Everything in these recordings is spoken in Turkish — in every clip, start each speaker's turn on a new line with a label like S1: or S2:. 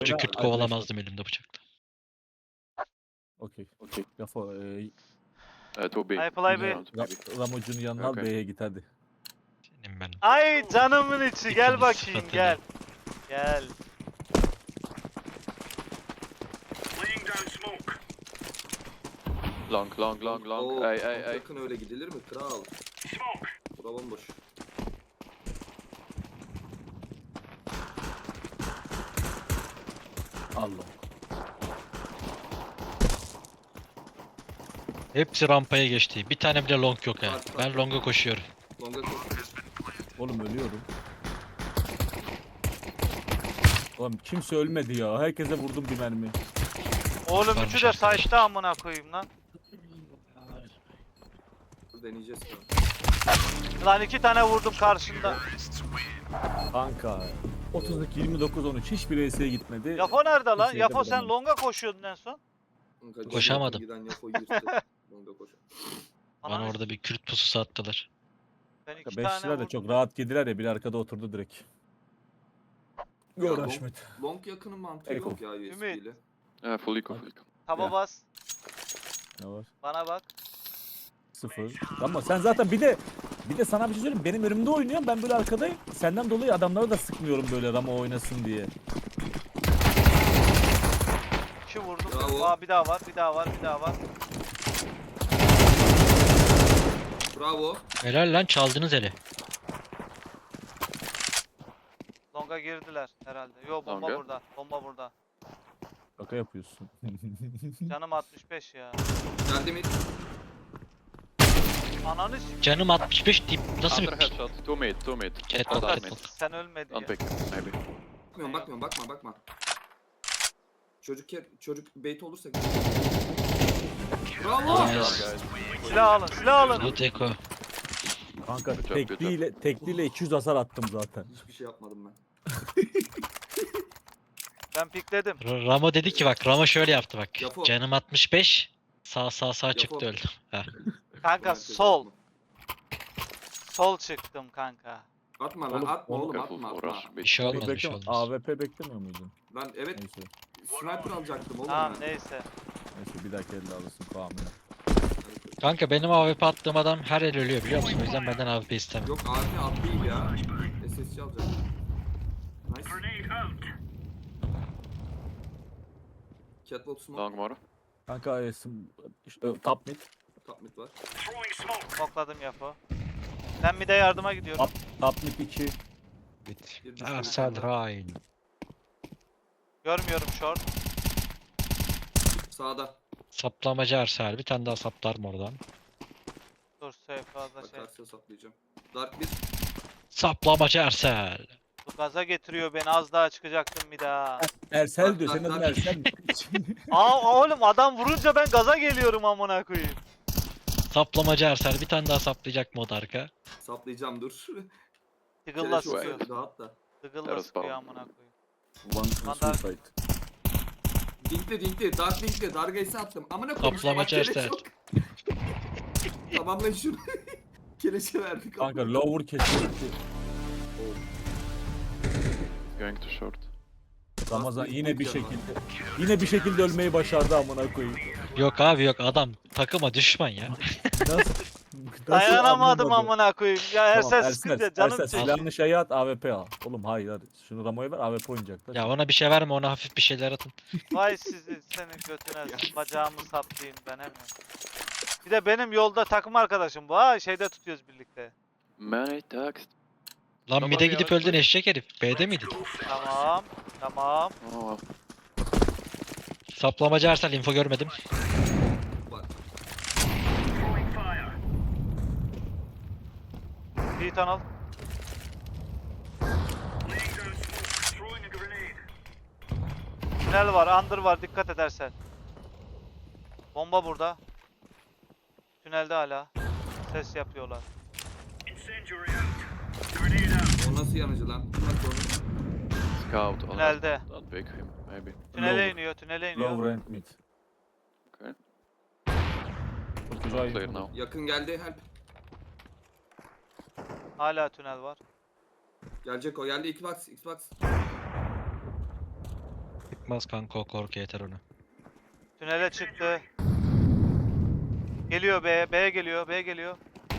S1: Kürt
S2: Arkadaşlar.
S1: kovalamazdım elimde bıçakla.
S2: Okey.
S3: Okay.
S2: Lafo
S3: To B.
S4: I play B.
S3: Around maybe.
S2: Ramocu'nun yanına al
S3: Okay.
S2: B'ye git hadi.
S1: Senin ben.
S4: Ay canımın içi gel
S1: İkiniz
S4: bakayım
S1: sıfatıyla.
S4: gel. Gel.
S3: Long.
S5: Oo,
S3: Hey.
S5: Yakın öyle gidilir mi kral? Bura bomboş.
S2: Allah.
S1: Hepsi rampaya geçti. Bir tane bile long yok ha.
S5: Var.
S1: Ben longa koşuyorum.
S5: Longa koş.
S2: Oğlum ölüyorum. Oğlum kimse ölmedi ya. Herkese vurdum bir mermi.
S4: Oğlum
S1: Varmış
S4: üçü de
S1: arkadaşlar.
S4: saçta amına koyayım lan.
S5: Dur deneyeceğiz ya.
S4: Lan 2 tane vurdum karşında.
S2: Kanka. 32-29-13 hiçbir ES'ye gitmedi.
S4: Yapo nerede lan?
S2: Kimseye
S4: Yapo
S2: de
S4: sen
S2: vuramadım.
S4: longa koşuyordun en son.
S5: Kanka,
S1: Koşamadım.
S5: Giden Yafo yırttı. Longa koş.
S1: Bana
S4: Ananı
S1: orada bir Kürt pususu attılar.
S4: Ben 2
S2: Beşçiler
S4: tane
S2: de
S4: vurdum.
S2: çok rahat yediler ya. Biri arkada oturdu direkt. Gör
S5: Ya,
S2: Haşmet.
S5: Long yakının mantığı
S2: Eko.
S5: yok ya USB
S4: Ümit.
S5: ile.
S3: Full eco.
S4: Taba
S2: Ya.
S4: bas.
S2: Ne var?
S4: Bana bak.
S2: 0. Ama sen zaten bir de sana bir şey söyleyeyim. Benim önümde oynuyorsun. Ben böyle arkadayım. Senden dolayı adamları da sıkmıyorum böyle Ramo oynasın diye.
S4: 2 vurdum.
S5: Bravo.
S4: Aa bir daha var, bir daha var, bir daha var.
S5: Bravo.
S1: Helal lan çaldınız eli.
S4: Longa girdiler herhalde. Yo bomba
S3: Longa.
S4: burada. Bomba burada.
S2: Şaka yapıyorsun.
S4: Canım 65 ya.
S5: Geldi mi?
S4: Ananı s***.
S1: Canım 65 deyip nasıl
S3: Under
S1: bir...
S3: headshot. 2 mid.
S1: Cat
S3: Under
S1: bot,
S3: mid.
S1: cat bot.
S4: Sen ölmedin
S3: Don't
S4: ya.
S3: pick maybe.
S5: Bakma. Çocuk bait olursa.
S4: Oh.
S5: Bravo.
S1: Yes.
S4: Silah alın, silah alın.
S1: Good Eko.
S2: Kanka
S3: Good job,
S2: tekliyle 200 hasar attım zaten.
S5: Hiçbir şey yapmadım ben.
S4: Ben pikledim.
S1: Ramo dedi ki bak Ramo şöyle yaptı bak.
S5: Yapo.
S1: Canım 65. Sağ çıktı
S5: Yapo.
S1: öldü. Ha.
S4: Kanka
S5: Herkes
S4: sol.
S5: atma.
S4: Sol çıktım kanka.
S5: Atma lan
S2: Oğlum,
S5: atma
S2: oğlum.
S5: oğlum
S3: Careful
S5: atma
S3: for
S5: atma.
S3: rush.
S1: Bir şey
S2: Oğlum
S1: olmaz bir şey
S2: bekleme,
S1: olmaz.
S2: AWP beklemiyor muydun?
S5: Ben evet
S2: Neyse.
S5: sniper alacaktım oğlum
S4: Tamam
S5: ben.
S4: neyse.
S2: Neyse bir dahaki elde alırsın Kaan'ı.
S1: Kanka benim AWP attığım adam her el ölüyor biliyor musun? O yüzden benden AWP istemem.
S5: Yok AP at değil ya. SSC alacaktım. Nice. Catwalk smoke.
S3: Long more.
S2: Kanka top mid.
S5: Top mid var.
S4: Smokladım Yapo. Ben bir de yardıma gidiyorum.
S2: Top mid 2.
S5: Bir düştü,
S1: Ersel
S5: bir tane var.
S1: Rain.
S4: Görmüyorum short.
S5: Sağda.
S1: Saplamacı Ersel. Bir tane daha saplar mı oradan?
S4: Dur safe fazla şey.
S5: Bakarsa saplayacağım. Dark bir.
S1: Saplamacı Ersel.
S4: Bu gaza getiriyor beni, az daha çıkacaktım bir daha.
S2: Ersel diyor. Senin
S5: Bak,
S2: adın
S5: bak.
S2: Ersel mi?
S4: Aa oğlum adam vurunca ben gaza geliyorum amına koyayım.
S1: Saplamacı Ersel. Bir tane daha saplayacak mı o da arka?
S5: Saplayacağım dur.
S4: Tıgılla
S5: Keleş
S4: sıkıyor.
S5: olsun, Rahat da.
S4: Tıgılla
S3: Yarısı
S4: sıkıyor
S3: bağlı.
S4: amına koyayım.
S2: One
S4: Mandar-
S2: suicide.
S5: Dinkli. Dark dinkli. Dark ace attım. Amına koyayım.
S1: Saplamacı
S5: Keleş
S1: Ersel.
S5: yok. Tamamlayın şunu. Keleşe verdik.
S2: Kanka lower kesildi.
S3: Going to short.
S2: Ramazan
S5: Nasıl
S2: yine bir
S5: bir
S2: şekilde ölmeyi başardı amına koyayım.
S1: Yok abi yok adam takıma düşman ya.
S2: Nasıl?
S4: Dayanamadım
S2: anlamadı?
S4: amına koyayım. Ya Ersel sıkınca canım
S2: Ersel
S4: çekiyor.
S2: silahını şeye at AWP al. Oğlum hayır hadi. Şunu Ramo'ya ver AWP oynayacaklar.
S1: Ya ona bir şey verme ona hafif bir şeyler atın.
S4: Vay sizi senin götüne bacağımı saplayayım ben hemen. Bir de benim yolda takım arkadaşım bu ha, şeyde tutuyoruz birlikte.
S3: Many text.
S1: Lan
S3: Tamam
S1: mid'e
S3: ya,
S1: gidip
S3: hadi.
S1: öldün eşek herif. B'de miydin?
S4: Tamam.
S3: Oh.
S1: Saplamacı Ersel info görmedim.
S5: Var.
S4: Bir tunnel. Tünel var, under var, dikkat edersen. Bomba burada. Tünelde hala. Ses yapıyorlar.
S5: O nasıl yanıcı lan? Bak onu.
S3: Scout. Oh,
S4: Tünelde.
S3: don't pick him. Maybe.
S4: Tünele iniyor, tünele iniyor.
S2: Lower and mid.
S3: Okay.
S2: Çok güzel.
S3: Clear now.
S5: Yakın geldi help.
S4: Hala tünel var.
S5: Gelecek o geldi Xbox.
S1: Çıkmaz kanka o korku yeter ona.
S4: Tünele çıktı. Geliyor B. B geliyor. B geliyor.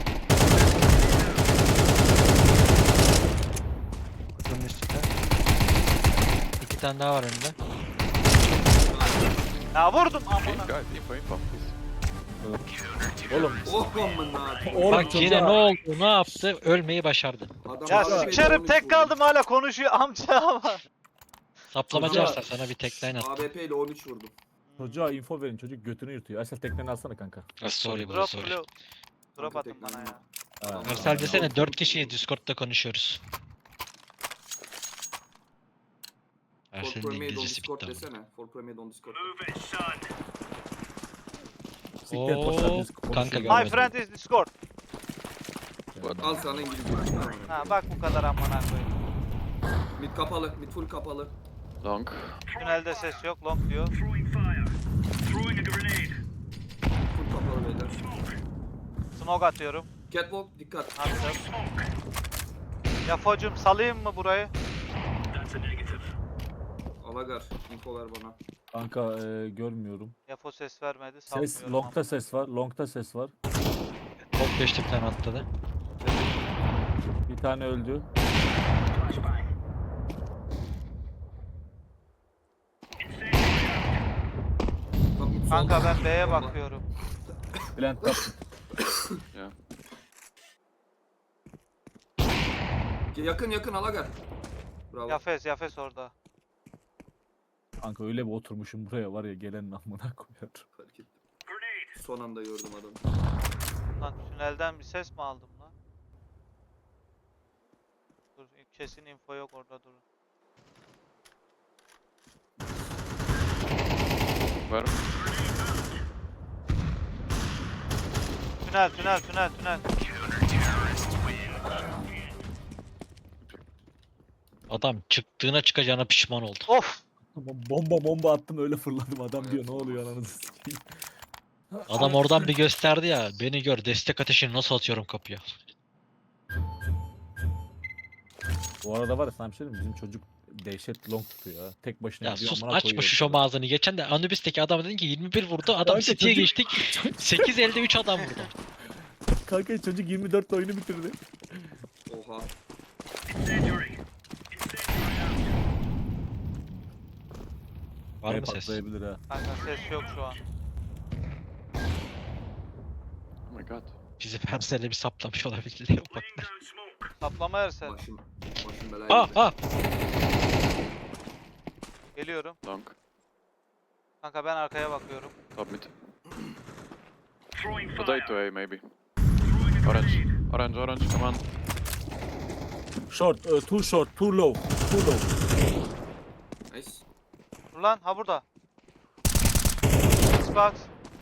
S1: Kutunun üstünde. 2 tane daha var önünde.
S4: Ya vurdum
S3: Okay,
S4: amına.
S3: guys, info, please.
S2: Oğlum.
S5: Oh amına.
S2: Oğlum
S1: Bak yine
S2: çocuğa-
S1: ne oldu, ne yaptı? Ölmeyi başardı.
S5: Adam
S4: Ya
S5: AWP 'yle
S4: sikerim
S5: 13
S4: tek
S5: vurdum.
S4: kaldım hala konuşuyor amca ama.
S1: Saplamacı
S2: Çocuğa-
S1: varsa sana bir tekline at.
S5: AWP ile 13 vurdum.
S2: Çocuğa info verin, çocuk götünü yırtıyor. Aysel tekneni alsana kanka.
S1: Sorry bro
S4: Drop
S1: sorry.
S4: blue. Drop
S5: Kanka
S4: atın bana
S5: tekrar
S4: ya.
S2: Ha.
S1: Ersel desene 4 kişiyi Discord'da konuşuyoruz.
S5: For
S1: Ersel'in
S5: Premade on
S1: İngilizcesi
S5: Discord
S1: bitti ama.
S5: desene. For Premade on Discord.
S2: Siktir et, boşver,
S1: Oo,
S2: biz konuşuyor
S1: kanka
S2: galiba.
S4: My friend is Discord.
S5: Al sana İngilizce.
S4: Ha bak bu kadar amına koyayım.
S5: Mid kapalı. Mid full kapalı.
S3: Long.
S4: Tünelde ses yok. Long diyor.
S5: Full kapalı beyler.
S4: Smoke atıyorum.
S5: Catwalk dikkat.
S4: Attım. Yafocum salayım mı burayı?
S5: Alagar. Info ver bana.
S2: Kanka görmüyorum.
S4: Yafo ses vermedi.
S2: Ses,
S4: Salmıyorum
S2: long'da ses var, long'da ses var.
S1: Top 5'te bir tane atladı.
S2: Bir tane öldü.
S5: Bak, mid
S4: Kanka
S5: solda.
S4: ben B'ye
S5: Bomba.
S4: bakıyorum.
S2: Plant kaptı.
S3: Yeah.
S5: Yakın yakın Alagar. Bravo.
S4: Yafes orada.
S2: Kanka öyle bir oturmuşum buraya var ya, gelen amına koyar.
S5: Fark ettim. Son anda gördüm adamı.
S4: Lan tünelden bir ses mi aldım lan? Dur kesin info yok orada durun.
S3: Where?
S4: Tünel.
S1: Adam çıktığına çıkacağına pişman oldu.
S4: Of!
S2: Bomba attım, öyle fırladım, adam diyor ne oluyor ananızı sikeyim.
S1: Adam oradan bir gösterdi ya. Beni gör, destek ateşini nasıl atıyorum kapıya.
S2: Bu arada var ya, sana bir şey diyeyim mi? Bizim çocuk dehşet long tutuyor ha. Tek başına
S1: Ya
S2: gidiyor,
S1: sus
S2: amına
S1: açma
S2: koyuyor.
S1: şu şom ağzını. Geçen de Anubis'teki adam dedin ki 21 vurdu. Adam
S2: Kanka
S1: City'ye
S2: çocuk-
S1: geçtik. 8 elde 3 adam vurdu.
S2: Kanka çocuk 24 oyunu bitirdi.
S5: Oha.
S1: Var
S2: Bey
S1: mı ses?
S2: patlayabilir ha.
S4: Kanka ses yok şu an.
S3: Oh my god.
S1: Bizi Ersel'le bir saplamış olabilir diye bak.
S4: Saplama Ersel.
S5: Başım belaya
S1: Aa
S5: girdi.
S1: aa.
S4: Geliyorum.
S3: Long.
S4: Kanka ben arkaya bakıyorum.
S3: Top mid. Potato A maybe. Orange, come on.
S2: Short, too short, too low, too low.
S5: Nice.
S4: Dur lan ha burada. Xbox.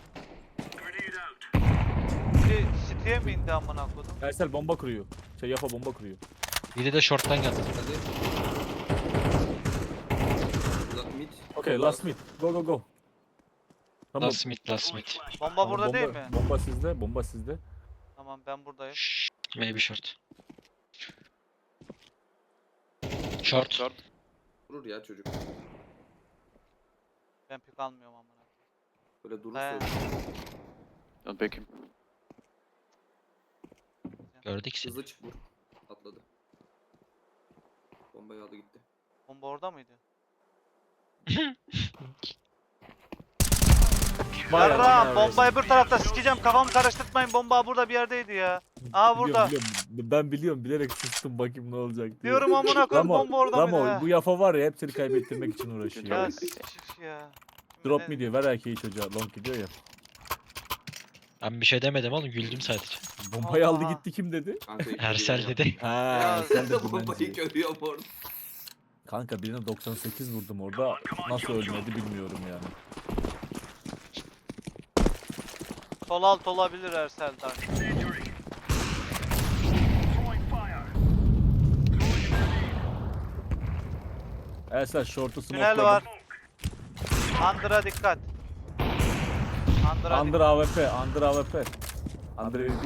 S4: Bir City'ye mi indi amına kodum?
S2: Ersel bomba kuruyor. Yafa bomba kuruyor.
S1: Biri de short'tan geldi.
S5: Hadi. Mid.
S2: Okay, last mid. Go go. Tamam.
S1: Last mid.
S4: Bomba
S2: Tamam,
S4: burada değil mi?
S2: Bomba sizde.
S4: Tamam ben buradayım.
S1: Şşş, maybe short. Short.
S3: Short.
S5: Vurur ya çocuk.
S4: Ben pik almıyorum amına.
S5: Böyle durursa
S4: He.
S5: ölür.
S3: Don't pick him.
S1: Gördük seni.
S5: Hızlı çık vur. Atladı. Bombayı aldı gitti.
S4: Bomba orada mıydı?
S2: Vay
S4: Yarram
S2: anasını
S4: bombayı bir tarafta sikeceğim kafamı karıştırtmayın bomba burada bir yerdeydi ya. Aa burada.
S2: Biliyorum. Ben biliyorum, bilerek sustum bakayım ne olacak diye.
S4: Diyorum amına koyayım bomba orada mıydı ha?
S2: Bu yafa var ya, hepsini kaybettirmek için uğraşıyor.
S4: Ya sikik ya.
S2: Drop mi diyor, ver erkeği çocuğa, long gidiyor ya.
S1: Ben bir şey demedim oğlum, güldüm sadece.
S2: Bombayı aldı
S4: Aa.
S2: gitti, kim dedi?
S5: Kanka
S1: Ersel dedi.
S2: Ha, sen de
S5: bombayı
S2: dümenci.
S5: görüyorum orada.
S2: Kanka birine 98 vurdum orada. Nasıl ölmedi bilmiyorum yani.
S4: Sol alt olabilir Ersel'den.
S2: Ersel short'u
S4: Tünel
S2: smokeladım.
S4: var. Under'a dikkat. Under'a
S2: Under
S4: dikkat.
S2: AWP, under AWP. Under AWP.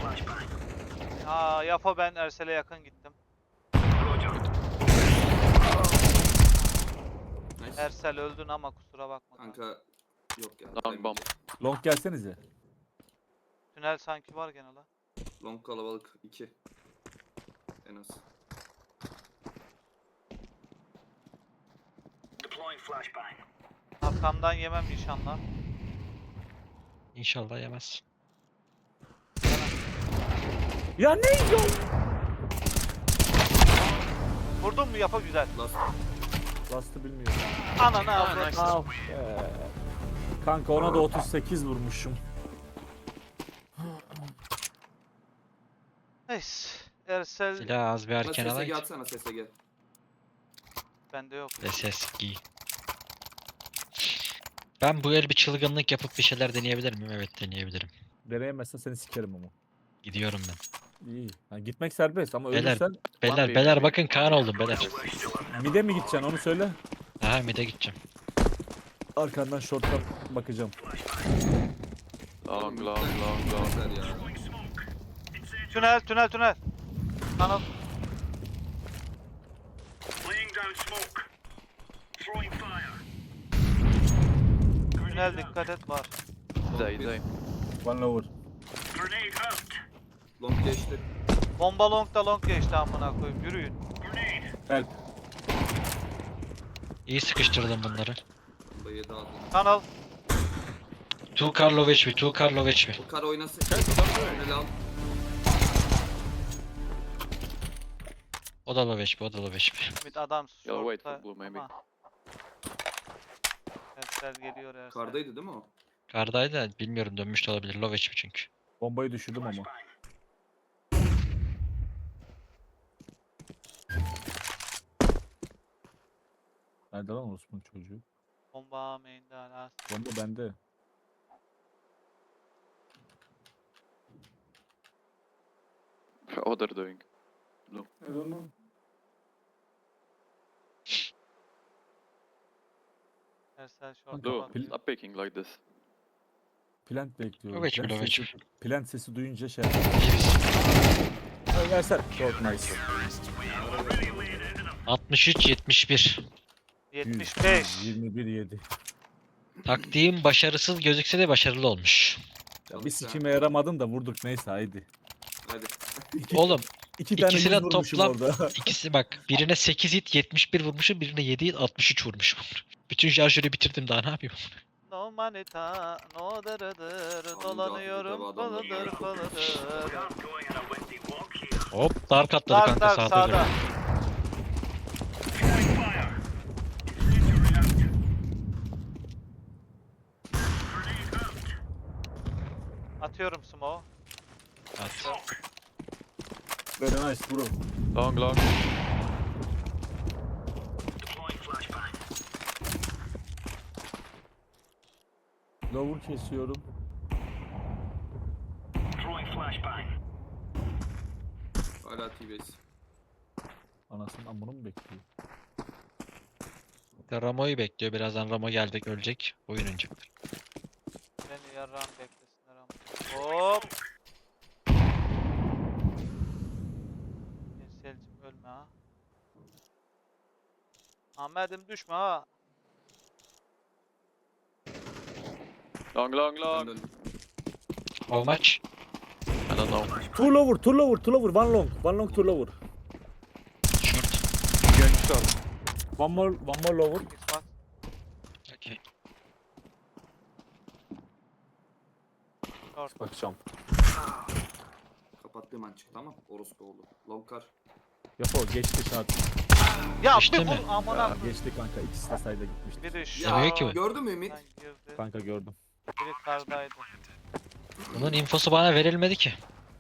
S4: Aa Yapo ben Ersel'e yakın gittim.
S5: Nice.
S4: Ersel öldün ama kusura bakma.
S5: Kanka yok ya.
S3: Long bomb.
S2: Long gelsenize.
S4: Tünel sanki var gene la.
S5: Long kalabalık 2. En az.
S4: Arkamdan yemem inşallah.
S1: İnşallah yemez.
S2: Ya ne yok?
S4: Vurdun mu yapa güzel.
S5: Last.
S2: Last'ı bilmiyorum.
S4: Ananı
S3: Ah,
S4: avradını.
S3: nice.
S2: Ah Kanka ona da 38 vurmuşum.
S4: Neyse. Ersel
S1: Silah az bir
S5: Bana
S1: erken
S5: SSG
S1: alayım.
S5: atsana SSG.
S4: bende yok.
S1: SS giy. Ben bu el bir çılgınlık yapıp bir şeyler deneyebilir miyim? Evet deneyebilirim.
S2: Deneyemezsen seni sikerim ama.
S1: Gidiyorum ben.
S2: İyi. Ha, gitmek serbest ama
S1: Beyler,
S2: ölürsen
S1: Beyler
S3: bir,
S1: beyler
S3: bir.
S1: bakın Kaan oldum beyler.
S2: mide mi gideceksin onu söyle.
S1: Aha mid'e gideceğim.
S2: Arkandan short'tan bakacağım.
S3: Long, long, long, long.
S5: Güzel ya.
S4: Tünel tünel tünel. Kanal. Tünel dikkat et var.
S3: Day, day.
S2: One lower.
S5: Long geçti.
S4: Bomba long da long geçti amına koyayım. Yürüyün.
S2: Help.
S1: İyi sıkıştırdım bunları.
S5: Bomba 7 aldı.
S4: Kanal.
S1: Two Karlov HP, two Karlov HP.
S5: O kar oynasın. Tünel al.
S1: O da low HP, o da low HP.
S4: Mid adam
S3: You'll wait
S4: short'ta
S3: for blue maybe.
S4: ama- Ersel geliyor Ersel.
S5: Kardaydı değil mi o?
S1: Kardaydı da bilmiyorum dönmüş de olabilir. Low HP çünkü.
S2: Bombayı düşürdüm ama. Nerede lan Osman çocuğu?
S4: Bomba main'de hala.
S2: Bomba bende.
S3: What they're doing?
S4: Ersel short'ta
S3: Blue,
S4: var.
S3: stop picking like this.
S2: Plant bekliyorum.
S1: Low HP,
S2: Plant
S1: low
S2: sesi,
S1: HP.
S2: plant sesi duyunca şey
S1: İyi biz.
S2: Versene. Çok nice.
S1: 63-71.
S4: 75.
S2: 21-7.
S1: Taktiğim başarısız gözükse de başarılı olmuş.
S2: Ya bir sikime yaramadın da vurduk neyse haydi.
S5: Hadi.
S1: Oğlum
S2: İki tane
S1: ikisine
S2: yüz vurmuşum
S1: toplam-
S2: orada.
S1: ikisi bak birine 8 hit 71 vurmuşum, birine 7 hit 63 vurmuşum. Bütün şarjörü bitirdim daha ne yapayım?
S4: No manita, no dırıdır,
S5: Abi,
S4: dolanıyorum
S5: Cahil adamlar
S4: falıdır
S5: var.
S4: falıdır.
S1: Hop dark atladı
S4: Dark
S1: kanka
S4: dark
S1: sağda.
S4: sağda.
S1: Sağda.
S4: Atıyorum smoke.
S1: At.
S2: Very nice bro.
S3: Long, long.
S2: Lower kesiyorum.
S5: Hala T-base.
S2: Anasının amını mı bekliyor?
S1: Ramo'yu bekliyor. Birazdan Ramo gelecek ölecek. Oyun oynayacaktır.
S4: Beni yarram beklesinler ama. Hop. Selcim ölme ha. Ahmet'im düşme ha.
S3: Long, long,
S5: Ben
S3: long.
S5: döndüm.
S1: How much?
S3: I don't know.
S2: Two lower, two lower, two lower, one long. One long, two lower.
S1: Short.
S2: One more lower.
S4: Xbox.
S1: Okay.
S4: Short.
S2: Bakacağım.
S5: Kapattığım an çıktı ama orospu oldu. Long kar.
S2: Yapo geçti şart.
S4: Ya
S1: İşte
S4: bir
S1: mi?
S4: vur amına.
S2: Geçti kanka. İkisi de sayda gitmişti.
S4: Biri şu.
S1: Demiyor ki bu.
S5: Gördün mü Ümit?
S4: Sen girdi.
S2: Kanka gördüm.
S4: Biri kardaydı.
S1: Bunun infosu bana verilmedi ki.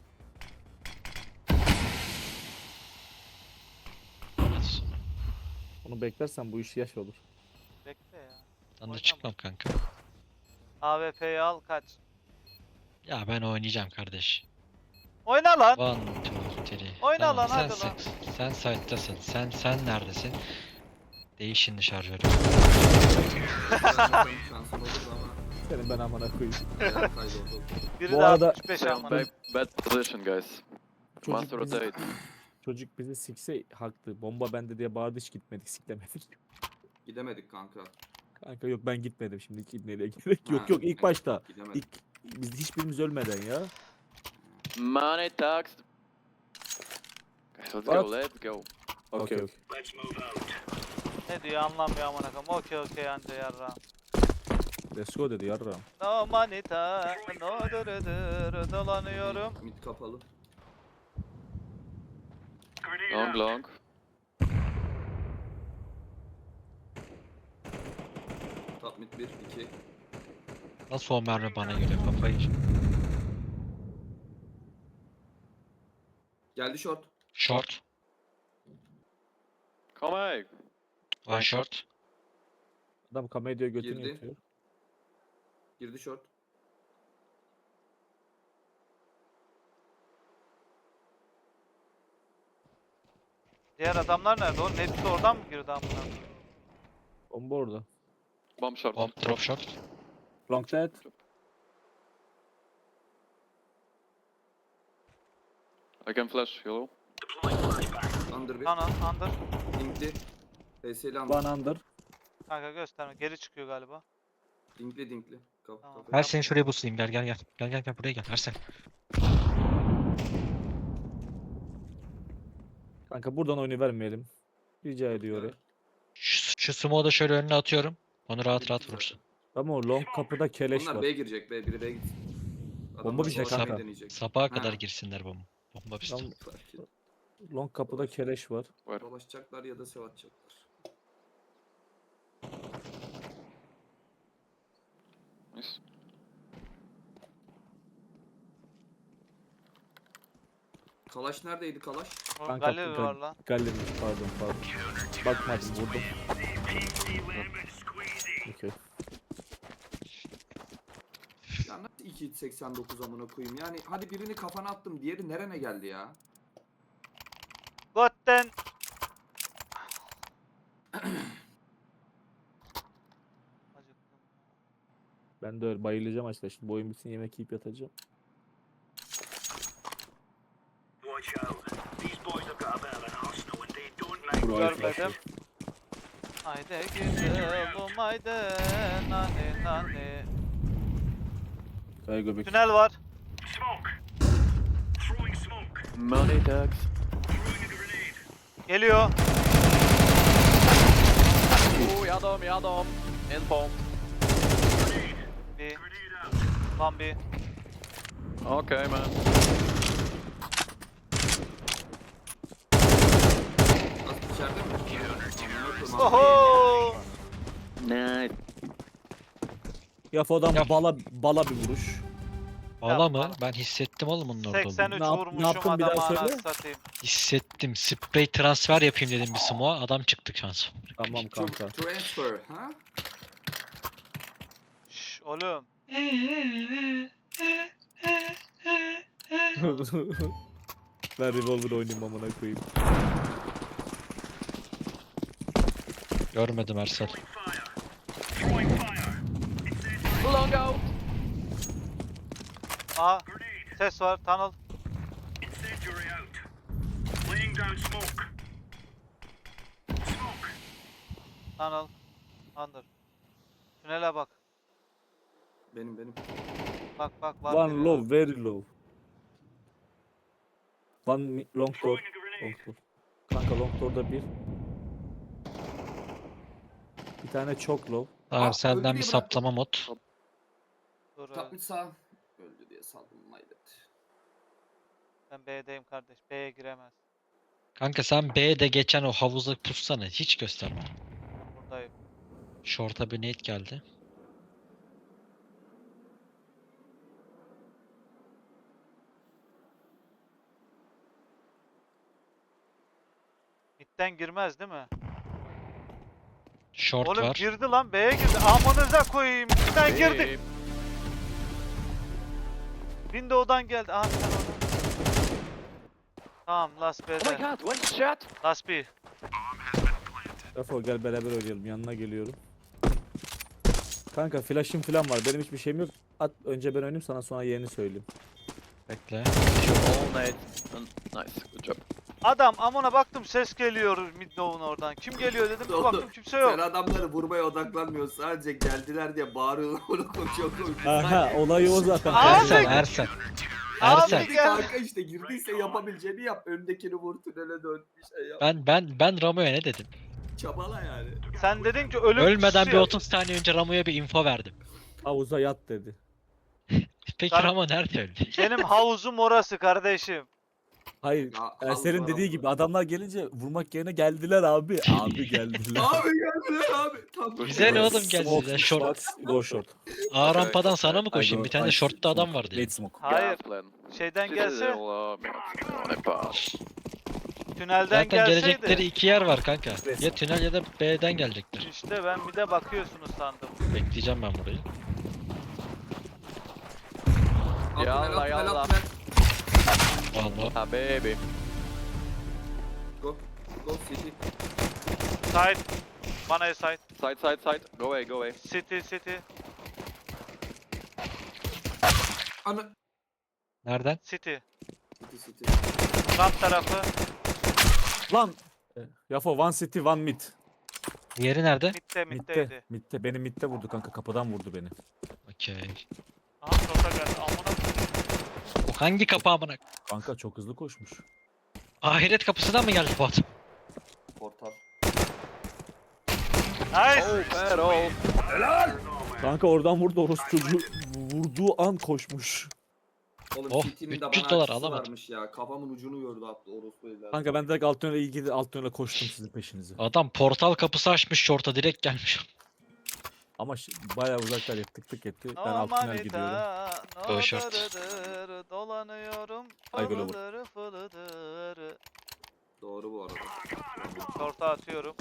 S2: Onu beklersen bu iş yaş olur.
S4: Bekle ya.
S1: Ben de
S4: Oynama.
S1: çıkmam kanka.
S4: AWP'yi al kaç.
S1: Ya ben oynayacağım kardeş.
S4: Oyna lan.
S1: 1, 2, 3.
S4: Oyna lan, hadi lan.
S1: Sen site'tasın. Sen neredesin? Değiş şimdi şarjörü.
S5: Şansım olurdu ama.
S2: Senin ben amına koyayım.
S5: Ayağım kaydı oldu.
S4: Biri
S2: Bu
S4: de
S2: arada-
S4: 65 ama.
S3: Bad position, guys. Must
S2: Çocuk bizi,
S3: rotate.
S2: çocuk bizi sikse haklı. Bomba bende diye bağırdı hiç gitmedik siklemedik.
S5: Gidemedik kanka.
S2: Kanka yok ben gitmedim şimdi gitmeye gerek
S5: Ha,
S2: yok ilk başta.
S5: Gidemedik.
S2: Biz hiçbirimiz ölmeden ya.
S3: Money talks. Guys, let's
S2: What?
S3: go, let's go.
S2: Okey.
S4: Ne diyor anlamıyor amına koyayım. Okey anca yarra.
S2: Let's go dedi yarram.
S4: No manita, no dırıdır dolanıyorum.
S5: Mid kapalı.
S3: Long, long.
S5: Top mid 1, 2.
S1: Nasıl o mermi bana geliyor kafayı?
S5: Geldi short.
S1: Short.
S3: Come on.
S1: One short.
S2: Adam kameraya götünü
S5: Girdi.
S2: yatıyor.
S5: Girdi short.
S4: Diğer adamlar nerede oğlum? Hepsi oradan mı girdi amına koyayım?
S2: Bomba orada.
S3: Bomb short.
S1: Bomb drop short.
S2: Long dead.
S3: I can flash, yellow.
S5: Under 1.
S4: Ana under.
S5: Dinkli. PS'li under.
S2: One under.
S4: Kanka gösterme. Geri çıkıyor galiba.
S5: Dinkli.
S4: Tamam.
S1: Her seni şuraya buslayayım gel. Gel buraya gel Ersen.
S2: Kanka buradan oyunu vermeyelim. Rica ediyorum.
S1: Şu smoke'u da şöyle önüne atıyorum. Onu rahat rahat
S5: Bitti
S1: vurursun.
S2: Ama o long kapıda keleş
S5: Onlar
S2: var.
S5: B'ye girecek. Biri B'ye gitsin.
S2: Bomba bizde
S5: dolaşmayı
S2: kanka.
S5: deneyecek.
S1: Sabaha
S5: Ha.
S1: kadar girsinler bomba bizde.
S2: Tam
S5: Fark et.
S2: long kapıda keleş var.
S3: Where?
S5: Dolaşacaklar ya da sev atacaklar.
S3: Nice.
S5: Kalaş neredeydi Kalaş?
S4: Oğlum
S2: Kanka,
S4: galeri
S2: kanka.
S4: var lan.
S2: Gallerimiz pardon. Bakmadım vurdum. Okey.
S5: Ya nasıl 2.89 amına koyayım? Yani hadi birini kafana attım. Diğeri nerene geldi ya?
S4: Gotten. Acıktım.
S2: Ben de öyle bayılacağım açta. Şimdi bu oyun bitsin yemek yiyip yatacağım.
S4: Görmedim. Haydi güzelim haydi nani.
S2: Kaya göbek.
S4: Tünel var.
S3: Money talks.
S4: Geliyor.
S3: Oh, yadom. In bomb.
S4: Bir. Lan bir.
S3: Okay, man.
S5: Nasıl içeride mi? Amına koyayım,
S4: Oho.
S3: Nice.
S2: Yafo'dan
S1: Yaf.
S2: bala bir vuruş.
S1: Valla
S4: Yapma.
S1: mı? Ben hissettim oğlum onun orada olduğunu.
S4: 83
S2: Ne yap- ne
S4: vurmuşum
S2: yaptın bir daha
S4: adama
S2: söyle?
S4: anasını satayım.
S1: Hissettim. Spray transfer yapayım dedim bir smoke'a. Adam çıktı şans.
S2: Tamam kanka.
S5: Transfer, ha?
S4: Şşş oğlum.
S2: Ben revolver oynayayım amına koyayım.
S1: Görmedim Ersel.
S3: Long out.
S4: Aa. Ses var. Tunnel. Tunnel. Under. Tünele bak.
S5: Benim.
S4: Bak var.
S2: One
S4: biri.
S2: low, very low. One long door. Long door. Kanka long door'da bir. Bir tane çok low.
S1: Tamam
S5: Aa,
S1: senden
S5: öldü
S1: bir
S5: diye
S1: saplama mod.
S4: Dur,
S5: Top mid sağ. Öldü diye saldım maydet.
S4: ben B'deyim kardeş. B'ye giremez.
S1: Kanka sen B'de geçen o havuza pussana. Hiç gösterme.
S4: Buradayım.
S1: Short'a bir nade geldi.
S4: Mid'den girmez değil mi?
S1: Short
S4: Oğlum
S1: var.
S4: girdi lan B'ye girdi. Amanıza koyayım. Mid'den girdi. Window'dan geldi. Aha sen oradan. Tamam last
S3: Oh my
S4: B'de.
S3: god, one shot.
S4: Last B.
S2: Defol gel beraber oynayalım. Yanına geliyorum. Kanka flash'ım falan var. Benim hiçbir şeyim yok. At önce ben oynayayım sana sonra yerini söyleyeyim.
S1: Bekle.
S3: All night. Nice, good job.
S4: Adam amına baktım ses geliyor Midnow'un oradan. Kim geliyor dedim bir baktım kimse yok.
S5: Sen adamları vurmaya odaklanmıyorsun. Sadece geldiler diye bağırıyorlar. Onu koşuyor.
S2: Aha olayı o zaten.
S4: Abi!
S1: Ersen, Ersen. Ersen.
S4: Abi gel.
S5: Kanka işte girdiyse yapabileceğini yap. Öndekini vur tünele dön. Bir şey yap.
S1: Ben Ramo'ya ne dedim?
S5: Çabala yani.
S4: Sen dedin ki ölüm
S1: Ölmeden bir
S4: kutusu
S1: 30 saniye önce Ramo'ya bir info verdim.
S2: Havuza yat dedi.
S1: Peki
S4: Sen-
S1: Ramo nerede öldü?
S4: Benim havuzum orası kardeşim.
S2: Hayır.
S5: Ya,
S2: Ersen'in
S5: Allah
S2: dediği
S5: Allah.
S2: gibi adamlar gelince vurmak yerine geldiler abi. Abi geldiler.
S5: Abi geldiler abi. Tam
S1: Bize ne oğlum
S2: Smoke,
S1: geldiler short.
S2: shots, go short.
S1: A
S3: Okay,
S1: rampadan sana mı
S2: I
S1: koşayım?
S2: go-
S1: Bir tane de
S2: I
S1: shortta adam
S2: smoke.
S1: vardı ya.
S2: Late smoke.
S4: Hayır.
S3: Plan.
S4: Şeyden gelse,
S3: On est pas.
S4: tünelden
S1: Zaten
S4: gelseydi.
S1: gelecekleri iki yer var kanka. Ya tünel ya da B'den gelecekler.
S4: İşte ben bir de bakıyorsunuz sandım.
S1: Bekleyeceğim ben burayı.
S3: Yalla, yalla.
S1: Vallahi.
S3: Ah baby.
S5: Go. Go city.
S4: Side. Bana side.
S3: Side, side, side. Go away, go away.
S4: City.
S5: Ana.
S1: Nereden?
S4: City.
S5: City.
S4: Ramp tarafı.
S2: Lan. Yafo one city one mid.
S1: Diğeri nerede?
S4: Mid'deydi.
S2: Mid'de. Mid'de. Beni mid'de vurdu kanka. Kapıdan vurdu beni.
S1: Okey.
S4: Aha short'a geldi. Amına.
S1: O hangi kapı amına?
S2: Kanka çok hızlı koşmuş.
S1: Ahiret kapısından mı geldi bu adam?
S5: Portal.
S4: Nice.
S3: Oh, pero.
S2: Kanka oradan vurdu orospu çocuğu. Vurduğu an koşmuş.
S5: Oğlum
S1: Oh,
S5: City'nin de
S1: 300
S5: bana
S1: dolar
S5: açısı
S1: alamadım.
S5: varmış ya. Kafamın ucunu gördü attı orospu evladı.
S2: Kanka ben direkt alt tünele ilgili alt tünele koştum sizin peşinize.
S1: Adam portal kapısı açmış short'a direkt gelmiş.
S2: Ama bayağı uzaklar tık tık etti. Ben
S4: No
S2: alt tünel gidiyorum.
S4: manita,
S1: Go
S4: no
S1: short.
S4: dırıdır, dolanıyorum.
S2: Ay, gol olur.
S4: Fılıdır fılıdır.
S5: Doğru bu arada.
S4: Short'a atıyorum.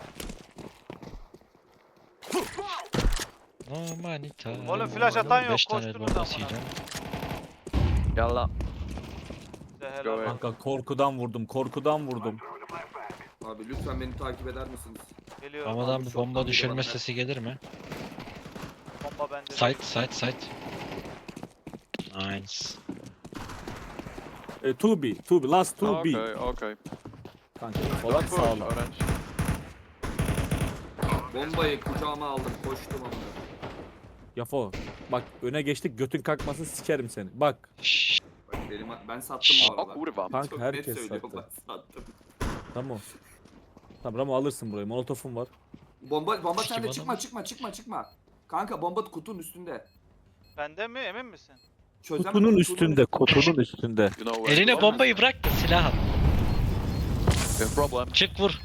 S1: No manita.
S4: Oğlum flash atan yok,
S1: 5 tane
S4: koştunuz
S1: bombasıyla.
S4: amına.
S3: Yalla.
S4: Size helal
S3: Go away.
S4: olsun.
S2: Kanka korkudan vurdum.
S5: Abi lütfen beni takip eder misiniz?
S4: Geliyorum.
S1: Ramadan
S5: abi,
S1: bir
S5: short'tan
S1: bomba
S5: bir
S1: düşürme
S5: bana.
S1: sesi gelir mi?
S4: Bomba bende.
S1: Site. Nice.
S2: 2B, last 2B.
S3: Okay, okay.
S2: Kanka Polat
S3: Push,
S2: sağlam.
S3: orange.
S5: Bombayı kucağıma aldım. Koştum amına.
S2: Yafo bak öne geçtik götün kalkmasın sikerim seni. Bak
S1: Şşş.
S5: Bak ben sattım bu
S3: Oh,
S5: arada.
S3: kurva.
S2: kanka
S5: Çok net
S2: herkes
S5: söylüyorum,
S2: sattı.
S5: ben sattım.
S2: Tamam. Tamam Ramo alırsın burayı. Molotofum var.
S5: Bomba
S1: Kim
S5: sende
S1: adam?
S5: çıkma. Kanka bomba kutunun üstünde.
S4: Bende mi emin misin?
S5: Çözemem,
S2: Kutunun üstünde.
S3: You know where
S1: Eline
S3: to go.
S1: bombayı bırak da silah al.
S3: No problem.
S1: Çık vur.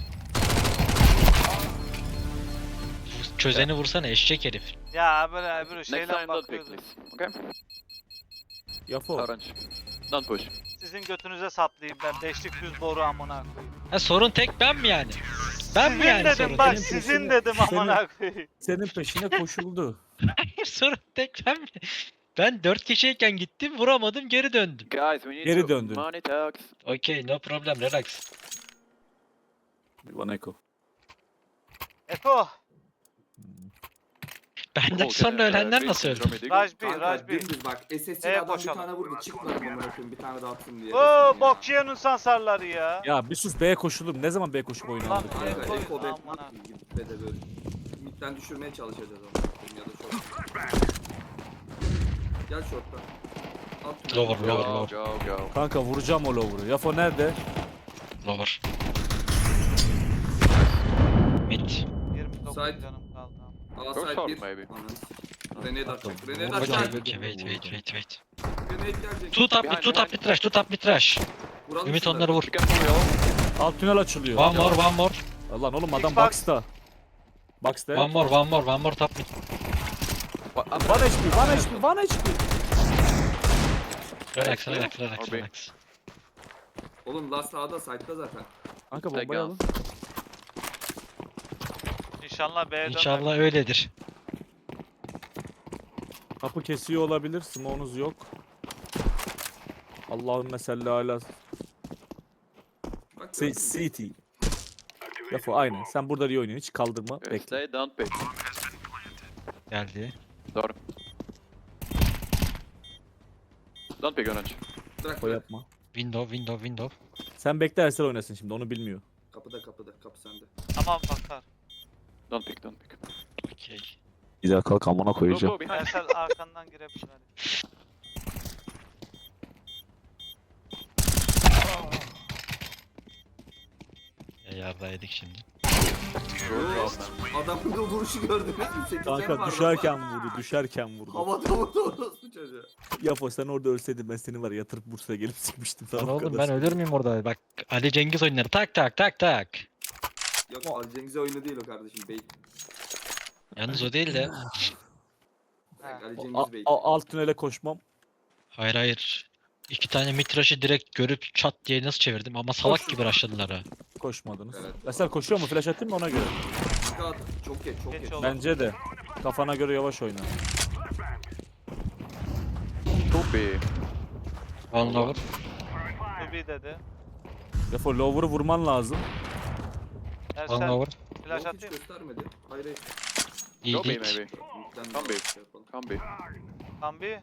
S1: Çözeni vursana eşek herif.
S4: Ya böyle
S3: Next
S4: şeyle
S3: time don't pick,
S4: bakıyordum.
S3: please. Okay?
S2: Yafo.
S3: Orange. Don't push.
S4: Sizin götünüze saplayayım ben. Beşlik düz boru amına koyayım.
S1: Ha sorun tek ben mi yani? Ben mi
S4: Sizin
S1: yani
S4: dedim
S1: sorun?
S4: bak
S2: Senin
S4: sizin
S2: peşine-
S4: dedim
S2: senin-
S4: amına koyayım.
S2: Senin peşine koşuldu.
S1: Hayır sorun tek ben mi? Ben 4 kişiyken gittim vuramadım geri döndüm.
S3: Guys, we need
S2: Geri
S3: to
S2: döndün.
S3: money talks.
S1: Okay no problem relax.
S2: One echo.
S4: Eko.
S1: Benden
S3: Okay,
S1: sonra ölenler
S3: wait,
S1: nasıl öldü?
S3: Rami, dig.
S4: Raj bir,
S5: Kanka
S4: Raj bir.
S5: dümdüz bak. SSC'li
S4: Evet,
S5: adam bir
S4: boşalım.
S5: tane vurdu. Çık lan amına koyayım bir tane daha atsın diye.
S4: Oo bok yiyorsun sansarları ya.
S2: Ya bir sus B'ye koşulur. Ne zaman B koşup oyun
S4: Lan,
S2: oynadık ya?
S5: Kanka
S4: Koy,
S5: Eko be
S4: amına.
S5: gidip be de böyle. Midden düşürmeye çalışacağız ama. Ya da short. Gel short'tan. At tüneli.
S1: Lower, lower,
S3: Go,
S1: lower.
S3: go, go.
S2: Kanka vuracağım o lower'ı. Yafo nerede?
S1: Lower. Mid.
S4: 29
S5: Side.
S4: canım kaldı.
S5: Aa
S3: Go
S5: side
S3: short,
S5: 1.
S3: maybe.
S5: Grenade atacak. Grenade
S2: Vuracağım.
S5: atacak.
S1: Wait.
S5: Grenade gelecek.
S1: Tut up
S3: Behind,
S1: mid
S3: behind.
S1: trash, tut up mid trash.
S5: Vuralım
S1: Ümit
S5: şunları.
S1: onları vur.
S3: You can pull your
S2: Alt tünel açılıyor.
S1: One more.
S2: Lan oğlum adam
S4: Xbox.
S2: box'ta. Box'ta.
S1: One more top mid.
S3: What?
S2: 1 HP.
S1: Relax.
S5: Oğlum last sağda side'da zaten.
S2: Kanka
S3: Take
S2: bombayı
S3: out.
S2: alın.
S4: İnşallah B'ye dönmem.
S1: İnşallah öyledir.
S2: Kapı kesiyor olabilir. Smoke'unuz yok. Allahümme salli ala
S5: Bak
S2: CT. Yafo aynen. Sen burada iyi oynuyorsun. Hiç kaldırma.
S3: Okay,
S2: Bekle.
S3: stay, don't pick.
S1: Geldi.
S3: Door. Don't pick orange.
S5: bırak.
S2: O yapma.
S1: Window.
S2: Sen bekle Ersel oynasın şimdi onu bilmiyor.
S5: Kapıda. Kapı sende.
S4: Tamam bakar.
S3: Don't pick, don't pick.
S1: Okey.
S2: Güzel kalk amına
S3: Go, go, behind.
S4: Ersel arkandan girebilir hadi.
S1: Yarda yedik şimdi.
S3: Good job, man.
S5: Adamın da vuruşu gördünüz mü? 8 can
S2: Kanka
S5: var
S2: düşerken vurdu.
S5: Havada orospu çocuğa.
S2: Yafo sen orada ölseydin ben seni var ya yatırıp Bursa'ya gelip sıkmıştım.
S6: Lan
S2: Sana o
S6: oğlum
S2: kadar.
S6: ben ölür müyüm orada?
S1: Bak Ali Cengiz oyunları tak tak tak tak.
S5: Yok Ali Cengiz'e oyunu değil o kardeşim. Bey.
S1: Yalnız o değil de.
S4: Ha.
S5: Ali
S2: A-
S5: Cengiz Bey.
S2: alt tünele koşmam.
S1: Hayır hayır. İki tane mitraşı direkt görüp çat diye nasıl çevirdim ama salak gibi rushladılar ha.
S2: Koşmadınız.
S5: Evet.
S2: Ersel koşuyor mu? Flash atayım mı ona göre?
S5: Dikkat. Çok geç.
S4: Geç oldu.
S2: Bence de. Kafana göre yavaş oyna.
S3: Could be.
S1: One lower.
S4: Tubi dedi.
S2: Yafo lower'ı vurman lazım.
S1: One
S4: Ersel
S1: lower.
S4: flash
S5: Yok hiç
S4: atayım.
S5: göstermedi. Hayır.
S1: İyi
S3: Go B,
S1: değil.
S3: maybe.
S5: Midden
S3: Come
S5: de
S3: B.
S5: şey yapalım.
S3: Come B.
S4: Kambi.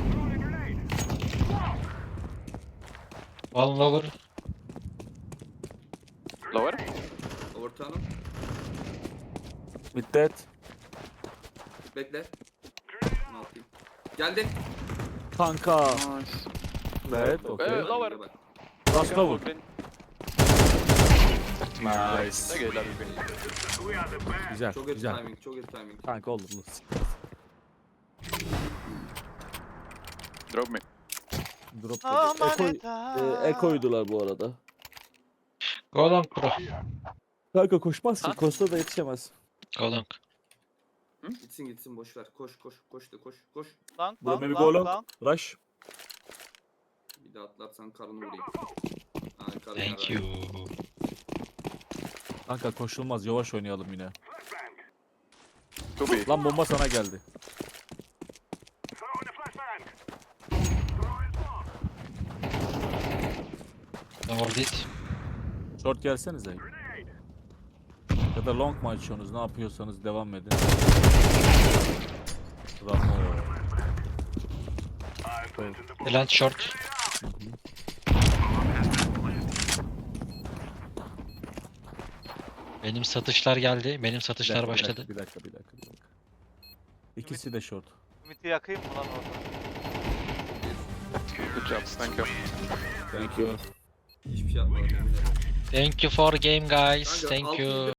S1: One lower.
S3: Lower.
S5: Overturn'um.
S2: Middet.
S5: Bekle. Ne yapayım? Geldi.
S2: Kanka.
S3: Nice.
S2: Evet okey.
S3: Lower.
S2: Last lower.
S3: Open.
S2: Nice.
S3: Okay, that will be.
S2: Güzel
S5: Çok iyi
S2: güzel.
S5: timing. Çok iyi timing.
S2: Kanka olur.
S3: Drop me.
S2: Drop
S4: Aman
S2: dedi. Ekoydular bu arada.
S1: Go long pro.
S2: Kanka koşmazsın.
S3: Ha?
S2: Costa da yetişemez.
S1: Go long.
S5: Gitsin boş ver. Koş. Koş.
S4: Long
S2: Bura
S4: long
S2: maybe
S4: long
S2: go long.
S4: long.
S2: Rush.
S5: Bir daha atlarsan karnını vurayım. Ay, karnı
S1: Thank
S5: yarar.
S1: you.
S2: Kanka koşulmaz. Yavaş oynayalım yine.
S3: Could be.
S2: Lan bomba sana geldi.
S1: Lower dit.
S2: Short gelsenize. Ya da long mu açıyorsunuz? Ne yapıyorsanız devam edin. Ramo.
S1: Land short. Benim satışlar geldi. Benim satışlar başladı.
S2: Bir dakika. İkisi de short.
S4: Ümit'i yakayım mı lan orada?
S3: Good job. Thank you.
S2: Thank you.
S5: Hiçbir şey yapmadım yemin ederim.
S1: Thank you for game guys.
S5: Kanka,
S1: Thank
S5: altı
S1: you.